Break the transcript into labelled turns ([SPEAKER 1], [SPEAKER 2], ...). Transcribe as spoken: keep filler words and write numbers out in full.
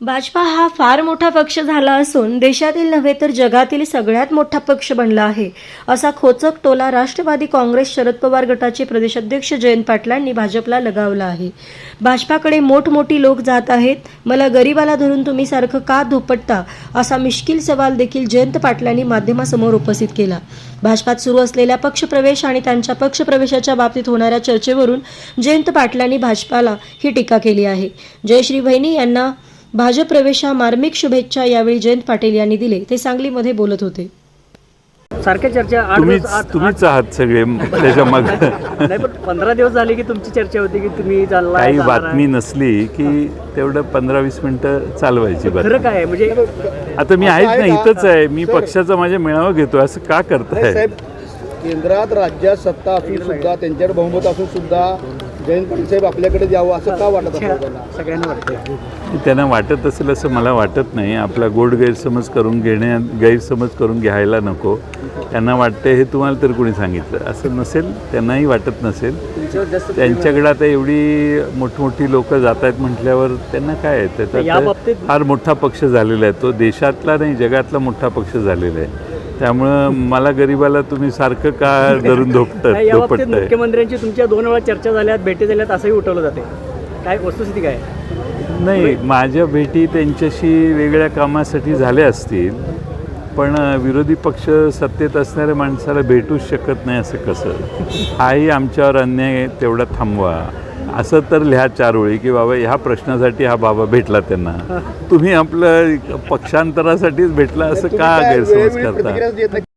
[SPEAKER 1] भाजपा हा फार मोठा पक्ष झाला असून देशातील नव्हे तर जगातील सगळ्यात मोठा पक्ष बनला आहे, असा खोचक टोला राष्ट्रवादी काँग्रेस शरद पवार गटाचे प्रदेशाध्यक्ष जयंत पाटलांनी भाजपला लगावला आहे। भाजपाकडे मोठमोठी लोक जात आहेत, मला गरीबाला धरून तुम्ही सारखं का धोपटता, असा मिश्किल सवाल देखील जयंत पाटलांनी माध्यमासमोर उपस्थित केला। भाजपात सुरू असलेल्या पक्षप्रवेश आणि त्यांच्या पक्षप्रवेशाच्या बाबतीत होणाऱ्या चर्चेवरून जयंत पाटलांनी भाजपाला ही टीका केली आहे। जयश्री वहिनी यांना भाजप प्रवेशा मार्मिक शुभेच्छा यावेळी जयंत पाटील यांनी दिले। ते सांगलीमध्ये बोलत होते।
[SPEAKER 2] सारख्या चर्चा आठ
[SPEAKER 3] तुम्हीच
[SPEAKER 2] दिवस आठ-
[SPEAKER 3] तुम्हीच आहात सगळे त्याच्या मग
[SPEAKER 2] नाही पण पंधरा दिवस झाले की तुमची चर्चा होती की तुम्ही चालला
[SPEAKER 3] काही बातमी नसली की तेवढं पंधरा वीस मिनिटं चालवायची
[SPEAKER 2] खरं
[SPEAKER 3] बातमी।
[SPEAKER 2] काय आहे म्हणजे
[SPEAKER 3] आता मी आहेच ना, इथंच आहे मी, पक्षाचा माझ्या मेळावा घेतो, असं का करताय?
[SPEAKER 4] साहेब, केंद्रात राज्यात सत्ता असून सुद्धा त्यांच्याकडे बहुमत असून सुद्धा जयंत पाटील साहेब आपल्याकडे यावं असं का वाटत असेल त्यांना?
[SPEAKER 2] सगळ्यांना वाटतं
[SPEAKER 3] त्यांना वाटत असेल असं मला वाटत नाही। आपला गोड गैरसमज करून घेण्या गैरसमज करून घ्यायला नको। त्यांना वाटते हे तुम्हाला तर कोणी सांगितलं असं नसेल, त्यांनाही वाटत नसेल। त्यांच्याकडे आता एवढी मोठमोठी लोक जात आहेत म्हटल्यावर त्यांना काय आहे,
[SPEAKER 2] या
[SPEAKER 3] त्याचा
[SPEAKER 2] बाबतीत-
[SPEAKER 3] फार मोठा पक्ष झालेला आहे, तो देशातला नाही जगातला मोठा पक्ष झालेला आहे। त्यामुळं मला गरीबाला तुम्ही सारखं का धरून धोपट
[SPEAKER 2] नाही, या बाबतीत
[SPEAKER 3] धोपटताय?
[SPEAKER 2] मुख्यमंत्र्यांची तुमच्या दोन वेळा चर्चा झाल्यात, भेटी झाल्यात असंही उठवलं जाते। काय वस्तुस्थिती काय आहे?
[SPEAKER 3] नाही, माझ्या भेटी त्यांच्याशी वेगळ्या कामासाठी झाल्या असतील, पण विरोधी पक्ष सत्तेत असणाऱ्या माणसाला भेटूच शकत नाही असं कसं? हाही आमच्यावर अन्याय आहे, तेवढा थांबवा असं तर लिहा चार ओळी की बाबा ह्या प्रश्नासाठी हा बाबा भेटला त्यांना, तुम्ही आपलं पक्षांतरासाठीच भेटला असं
[SPEAKER 4] तुम्ही
[SPEAKER 3] का
[SPEAKER 4] काय
[SPEAKER 3] गैरसमज
[SPEAKER 4] वेळोवेळी
[SPEAKER 3] करता?
[SPEAKER 4] प्रतिक्रिया देत नाही?